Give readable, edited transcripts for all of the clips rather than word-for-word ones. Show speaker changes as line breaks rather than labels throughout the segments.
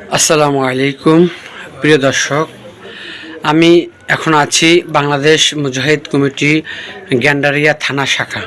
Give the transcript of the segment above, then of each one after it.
আসসালামু আলাইকুম প্রিয় দর্শক, আমি এখন আছি বাংলাদেশ মুজাহিদ কমিটি গ্যান্ডারিয়া থানা শাখা।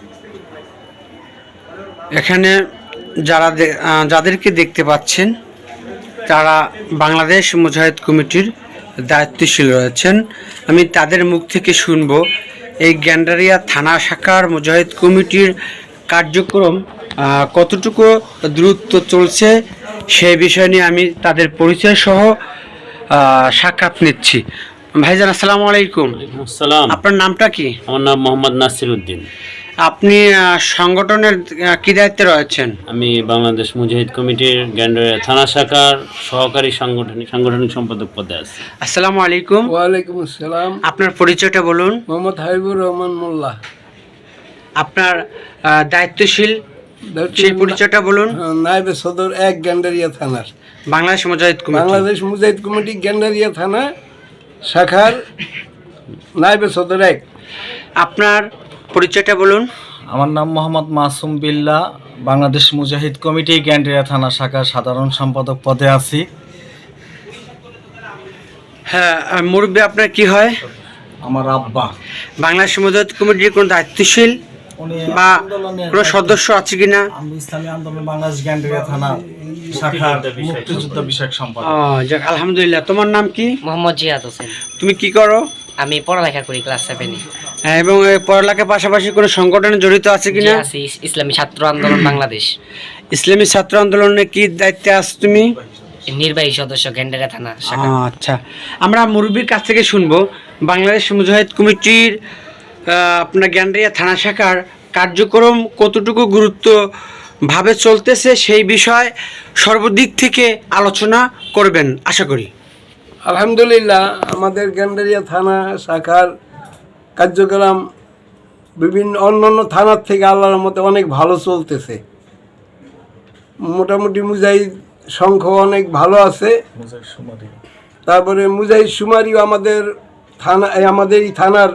এখানে যাদেরকে দেখতে পাচ্ছেন তারা বাংলাদেশ মুজাহিদ কমিটির দায়িত্বশীল রয়েছেন। আমি তাদের মুখ থেকে শুনব এই গ্যান্ডারিয়া থানা শাখার মুজাহিদ কমিটির কার্যক্রম কতটুকু দ্রুত চলছে সেই বিষয় নিয়ে আমি তাদের পরিচয় সহ সাক্ষাৎ নিচ্ছি। ভাইজান আসসালামু আলাইকুম।
আসসালাম।
আপনার নামটা কি?
আমার নাম মোহাম্মদ নাসির উদ্দিন।
আপনি সংগঠনের কি দায়িত্বে রয়েছেন?
আমি বাংলাদেশ মুজাহিদ কমিটির গ্যান্ডারিয়া থানা শাখার সহকারী সাংগঠনিক সম্পাদক পদে আছি।
আসসালামু আলাইকুম।
ওয়ালাইকুম আসসালাম।
আপনার পরিচয়টা বলুন।
মোহাম্মদ হাবিবুর রহমান মোল্লা।
আপনার দায়িত্বশীল সেই পরিচয়টা বলুন।
নায়েবে সদর 1 গ্যান্ডারিয়া থানার
বাংলাদেশ মুজাহিদ কমিটি।
বাংলাদেশ মুজাহিদ কমিটি গ্যান্ডারিয়া থানা শাখার নায়েবে সদর 1।
আপনার পরিচয়টা বলুন।
আমার নাম মোহাম্মদ মাসুম বিল্লাহ, বাংলাদেশ মুজাহিদ কমিটি গ্যান্ডারিয়া থানা শাখার সাধারণ সম্পাদক পদে আছি।
হ্যাঁ, মুরব্বী আপনার কি হয়?
আমার আব্বা।
বাংলাদেশ মুজাহিদ কমিটির কোনো দায়িত্বশীল
উনি
বা কোনো সদস্য আছে কিনা?
আমি ইসলামী আন্দোলন বাংলাদেশ গ্যান্ডারিয়া থানা শাখার মুক্তিযুদ্ধ বিষয়ক সম্পাদক।
যাক, আলহামদুলিল্লাহ। তোমার নাম কি?
মোহাম্মদ জিয়াদ হোসেন।
তুমি কি করো?
আমি পড়ালেখা করি ক্লাস 7-এ।
এবং এই পড়ালেখার পাশাপাশি কোনো সংগঠনে জড়িত আছে কিনা?
আছি ইসলামী ছাত্র আন্দোলন বাংলাদেশ।
ইসলামী ছাত্র আন্দোলনে কি দায়িত্বে আছো তুমি?
নির্বাহী সদস্য গ্যান্ডারিয়া থানা শাখা।
আচ্ছা, আমরা মুরব্বীর কাছ থেকে শুনবো বাংলাদেশ মুজাহিদ কমিটির আপনার গ্যান্ডারিয়া থানা শাখার কার্যক্রম কতটুকু গুরুত্বভাবে চলতেছে সেই বিষয় সর্বদিক থেকে আলোচনা করবেন আশা করি।
আলহামদুলিল্লাহ, আমাদের গ্যান্ডারিয়া থানা শাখার কার্যক্রম বিভিন্ন অন্যান্য থানার থেকে আল্লাহর মতে অনেক ভালো চলতেছে। মোটামুটি মুজাহিদ সংখ্যা অনেক ভালো আছে। তারপরে মুজাহিদ সুমারিও আমাদের এই থানার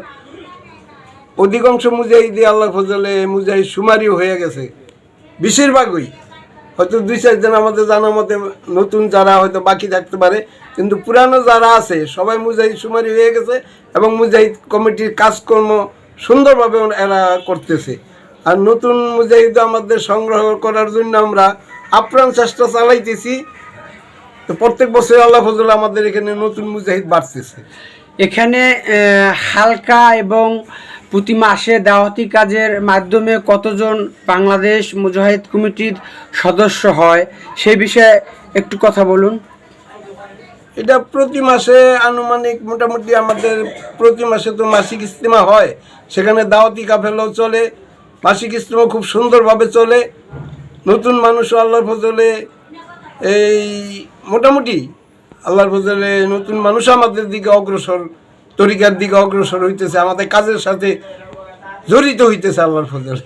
অধিকাংশ মুজাহিদি আল্লাহ ফজলে মুজাহিদ সুমারিও হয়ে গেছে, বেশিরভাগই। হয়তো 2-4 জন আমাদের জানার মতে নতুন যারা হয়তো বাকি থাকতে পারে, কিন্তু পুরানো যারা আছে সবাই মুজাহিদ সুমারি হয়ে গেছে এবং মুজাহিদ কমিটির কাজকর্ম সুন্দরভাবে এরা করতেছে। আর নতুন মুজাহিদ আমাদের সংগ্রহ করার জন্য আমরা আপ্রাণ চেষ্টা চালাইতেছি। তো প্রত্যেক বছর আল্লাহ ফজলে আমাদের এখানে নতুন মুজাহিদ বাড়তেছে।
এখানে হালকা এবং প্রতি মাসে দাওয়াতি কাজের মাধ্যমে কতজন বাংলাদেশ মুজাহিদ কমিটির সদস্য হয় সেই বিষয়ে একটু কথা বলুন।
এটা প্রতি মাসে আনুমানিক মোটামুটি আমাদের প্রতি মাসে তো মাসিক ইজতেমা হয়, সেখানে দাওয়াতি কাফেলাও চলে, মাসিক ইজতেমা খুব সুন্দরভাবে চলে। নতুন মানুষও আল্লাহর ফজলে এই মোটামুটি আল্লাহর ফজলে নতুন মানুষ আমাদের দিকে অগ্রসর, তরিকার দিকে অগ্রসর হইতেছে, আমাদের কাজের সাথে জড়িত হইতেছে আল্লাহর ফজলে।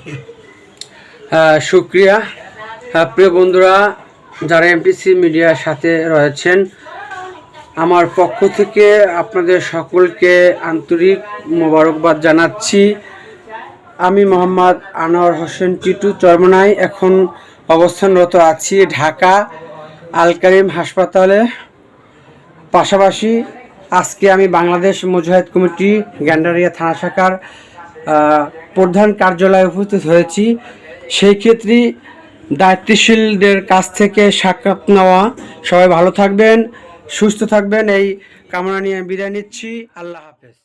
শুক্রিয়া। প্রিয় বন্ধুরা, যারা এমটিসি মিডিয়ার সাথে রয়েছেন, আমার পক্ষ থেকে আপনাদের সকলকে আন্তরিক মোবারকবাদ জানাচ্ছি। আমি মোহাম্মদ আনোয়ার হোসেন টিটু চরমনাই এখন অবস্থানরত আছি ঢাকা আল কারিম হাসপাতালে। পাশাপাশি আজকে আমি বাংলাদেশ মুজাহিদ কমিটি গ্যান্ডারিয়া থানা শাখার প্রধান কার্যালয়ে উপস্থিত হয়েছি। সেই ক্ষেত্রে দায়িত্বশীলদের কাছ থেকে সাক্ষাৎ নেওয়া। সবাই ভালো থাকবেন, সুস্থ থাকবেন এই কামনা নিয়ে বিদায় নিচ্ছি। আল্লাহ হাফেজ।